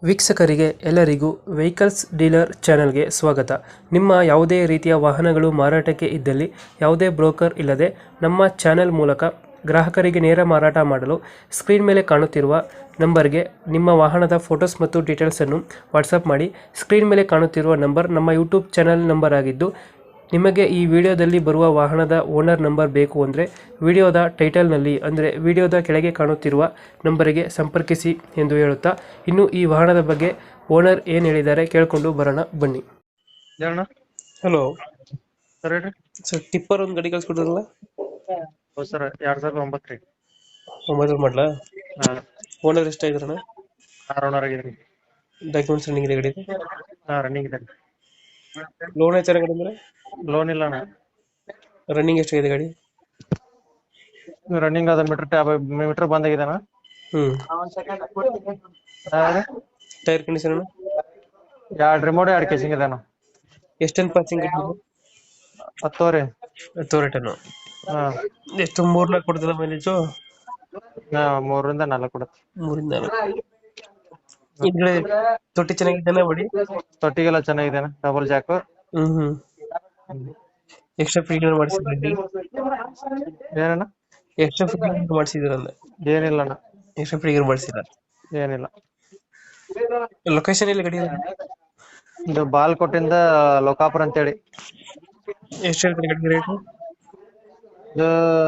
ವೀಕ್ಷಕರಿಗೆ ಎಲ್ಲರಿಗೂ vehicles dealer ಚಾನೆಲ್ಗೆ ಸ್ವಾಗತ. ನಿಮ್ಮ ಯಾವುದೇ ರೀತಿಯ ವಾಹನಗಳು ಮಾರಾಟಕ್ಕೆ ಇದ್ದಲ್ಲಿ ಯಾವುದೇ ಬ್ರೋಕರ್ ಇಲ್ಲದೆ ನಮ್ಮ ಚಾನೆಲ್ ಮೂಲಕ ಗ್ರಾಹಕರಿಗೆ ನೇರ ಮಾರಾಟ ಮಾಡಲು ಸ್ಕ್ರೀನ್ ಮೇಲೆ ಕಾಣುತ್ತಿರುವ ನಂಬರ್ಗೆ ನಿಮ್ಮ ವಾಹನದ ಫೋಟೋಸ್ ಮತ್ತು ಡೀಟೇಲ್ಸನ್ನು ವಾಟ್ಸಪ್ ಮಾಡಿ. ಸ್ಕ್ರೀನ್ ಮೇಲೆ ಕಾಣುತ್ತಿರುವ ನಂಬರ್ ನಮ್ಮ ಯೂಟ್ಯೂಬ್ ಚಾನೆಲ್ ನಂಬರ್ ಆಗಿದ್ದು, ನಿಮಗೆ ಈ ವಿಡಿಯೋದಲ್ಲಿ ಬರುವ ವಾಹನದ ಓನರ್ ನಂಬರ್ ಬೇಕು ಅಂದರೆ ವಿಡಿಯೋದ ಟೈಟಲ್ನಲ್ಲಿ ಅಂದರೆ ವಿಡಿಯೋದ ಕೆಳಗೆ ಕಾಣುತ್ತಿರುವ ನಂಬರಿಗೆ ಸಂಪರ್ಕಿಸಿ ಎಂದು ಹೇಳುತ್ತಾ, ಇನ್ನು ಈ ವಾಹನದ ಬಗ್ಗೆ ಓನರ್ ಏನು ಹೇಳಿದ್ದಾರೆ ಕೇಳಿಕೊಂಡು ಬರೋಣ ಬನ್ನಿ. ಹೇಳಣ್ಣ. ಹಲೋ ಸರ್ ಹೇಳ್ರಿ. ಸರ್, ಟಿಪ್ಪರ್ ಒಂದು ಗಾಡಿ ಕಳ್ಸ್ಕೊಡ್ರಲ್ಲ, ಹೌದು ಸರ್, 2009 ರೀ. 9 ಮಾಡಲಾ? ಹಾಂ, ಓನರ್ ಎಷ್ಟಾಗಿದ್ರಣ? 6 ಓನರ್ ಆಗಿದ್ರಿ. ಡಾಕ್ಯುಮೆಂಟ್ಸ್ ರನ್ನಿಂಗ್ ಇದೆ ಗಾಡಿ? ಹಾಂ, ರನ್ನಿಂಗ್ ಇದೆ. ಲೋನ್ ಐತೆ ಗಾಡಿ ಮೇಲೆ? ಲೋನ್ ಇಲ್ಲ ಅಣ್ಣ. ರನ್ನಿಂಗ್ ಎಷ್ಟಾಗಿದೆ ಗಾಡಿ? ರನ್ನಿಂಗ್ ಅದ ಮೀಟರ್ ಬಂದಾಗಿದೆ ಅಣ್ಣ. Tyre condition? 2 ರಿಮೋಟ್ 2 ಕೇಸಿಂಗ್ ಇದೆ ಅಣ್ಣ. ಎಷ್ಟೊಂದು ಪಾಸಿಂಗ್? 10 ರೀ. 10 ಟನ್ನು. ಹಾಂ, ಎಷ್ಟು 3-4 ಕೊಡ್ತದ ಮೈಲೇಜು? 3 ರಿಂದ 4 ಕೊಡುತ್ತೆ. 3-4. ಇದ್ರೆ ತೊಟ್ಟಿ ಚೆನ್ನಾಗಿದ್ದಾನೆ ಬಡಿ? ತೊಟ್ಟಿಗೆಲ್ಲ ಚೆನ್ನಾಗಿದೆ ಅಣ್ಣ, ಡಬಲ್ ಜಾಕ್. ಎಕ್ಸ್ಟ್ರಾ ಫಿಟ್ಟಿಂಗ್ ಮಾಡಿಸಿದ್ರಿ? ಏನಣ್ಣ? ಎಕ್ಸ್ಟ್ರಾ ಫಿಟ್ಟಿಂಗ್ ಮಾಡಿಸಿದ್ರಲ್ಲ? ಏನಿಲ್ಲ ಅಣ್ಣ, ಎಕ್ಸ್ಟ್ರಾ ಫಿಟ್ಟಿಂಗ್ ಮಾಡಿಸಿಲ್ಲ? ಏನಿಲ್ಲ. ಲೊಕೇಶನ್ ಎಲ್ಲಿ ಗಾಡಿ? ಇದು ಬಾಲ್ಕೋಟಿಂದ ಲೋಕಾಪುರ ಅಂತೇಳಿ. ಎಷ್ಟು ಹೇಳ್ತೀರಿ ಗಾಡಿ ರೇಟ್? ಇದು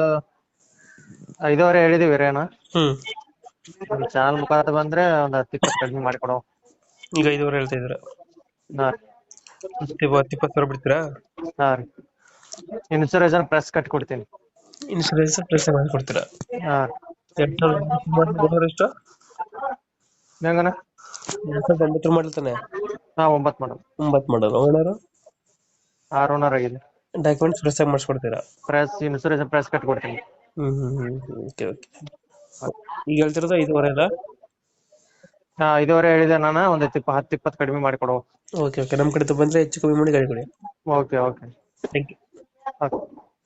5.5 ಹೇಳಿದೀವಿ ರೀ ಅಣ್ಣ. ಚಾನಲ್ ಮುಖಾಂತರ ಬಂದ್ರೆ ಒಂದು 10-20 ಕಡಿಮೆ ಮಾಡಿಕೊಡೋ. ಈಗ 5.5 ಹೇಳ್ತಾ ಇದ್ದೀರಾ? ಹಾಂ, 20 ಬಿಡ್ತೀರಾ? ಹಾಂ ರೀ. ಇನ್ಸೂರೆನ್ಸ್ ಪ್ರೆಸ್ ಕಟ್ಟಿ ಕೊಡ್ತೀನಿ. ಇನ್ಸೂರೆನ್ಸ್ ಪ್ಲಸ್ ಮಾಡ್ಕೊಡ್ತೀರಾ? ಹಾಂ. 2009 ಎಷ್ಟು? ಹೆಂಗಣ್ಣ? 2009 ಮಾಡಲ್ ತಾನೆ? ಹಾಂ, 9 ಮಾಡೋದು. 9 ಮಾಡಲ್. ಓನರ್? 6 ಓನರ್ ಆಗಿದೆ. ಡಾಕ್ಯುಮೆಂಟ್ಸ್ ಫ್ರೆಶ್ ಆಗಿ ಮಾಡಿಸ್ಕೊಡ್ತೀರಾ? ಪ್ರೆಸ್ ಇನ್ಸೂರೆನ್ಸ್ ಪ್ರೆಸ್ ಕಟ್ಟಿ ಕೊಡ್ತೀನಿ. ಓಕೆ. ಈಗ ಹೇಳ್ತಿರೋದು 5.5 ಅಲ್ಲ? ಹಾಂ, 5.5 ಹೇಳಿದೆ ನಾನು. ಒಂದು 10-20 ಕಡಿಮೆ ಮಾಡಿಕೊಡೋ. ಓಕೆ. ನಮ್ಮ ಕಡೆ ಬಂದರೆ ಹೆಚ್ಚು ಕಮ್ಮಿ ಮಾಡಿ ಗಾಡಿ ಕೊಡಿ. ಓಕೆ. Thank you. ಓಕೆ.